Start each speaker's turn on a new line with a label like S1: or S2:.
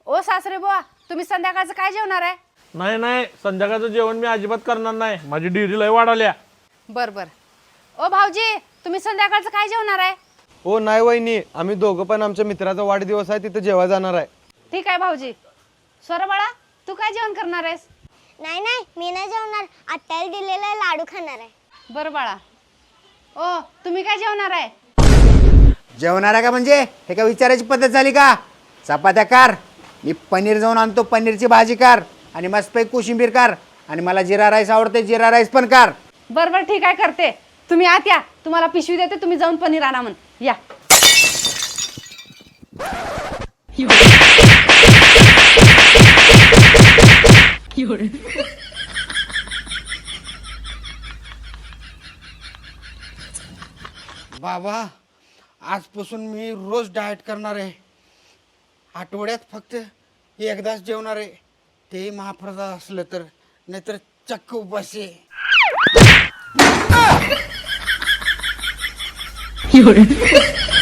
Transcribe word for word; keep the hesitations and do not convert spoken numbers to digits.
S1: ओ सासरे बुवा, तुम्ही संध्याकाळचं काय जेवणार आहे?
S2: नाही नाही, संध्याकाळचं जेवण मी अजिबात करणार नाही. माझी डिरी लय वाढवल्या.
S1: बर बर. ओ भाऊजी, तुम्ही संध्याकाळचं काय जेवणार आहे?
S3: हो नाही वहिनी, आम्ही दोघं पण आमच्या मित्राचा वाढदिवस आहे, तिथे जेवायला जाणार आहे.
S1: ठीक आहे भाऊजी. स्वर बाळा, तू काय जेवण करणार आहेस?
S4: नाही नाही, मी नाही जेवणार. आत्याला दिलेला लाडू खाणार आहे.
S1: बरं बाळा. ओ तुम्ही काय जेवणार आहे?
S5: जेवणार आहे का म्हणजे हे का विचारायची पद्धत झाली का? चपात्या कार, मी पनीर जाऊन आणतो, पनीरची भाजी कार आणि मस्तपैकी कोशिंबीर कार आणि मला जिरा राईस आवडते, जिरा राईस पण कार.
S1: बरं बरं ठीक आहे, करते. तुम्ही आत या, तुम्हाला पिशवी देते, तुम्ही जाऊन पनीर आणा म्हण. या.
S5: बाबा, आजपासून मी रोज डाएट करणार आहे. आठवड्यात फक्त एकदाच जेवणार आहे, ते महाप्रसाद असलं तर, नाहीतर चक्क उपाशी आहे.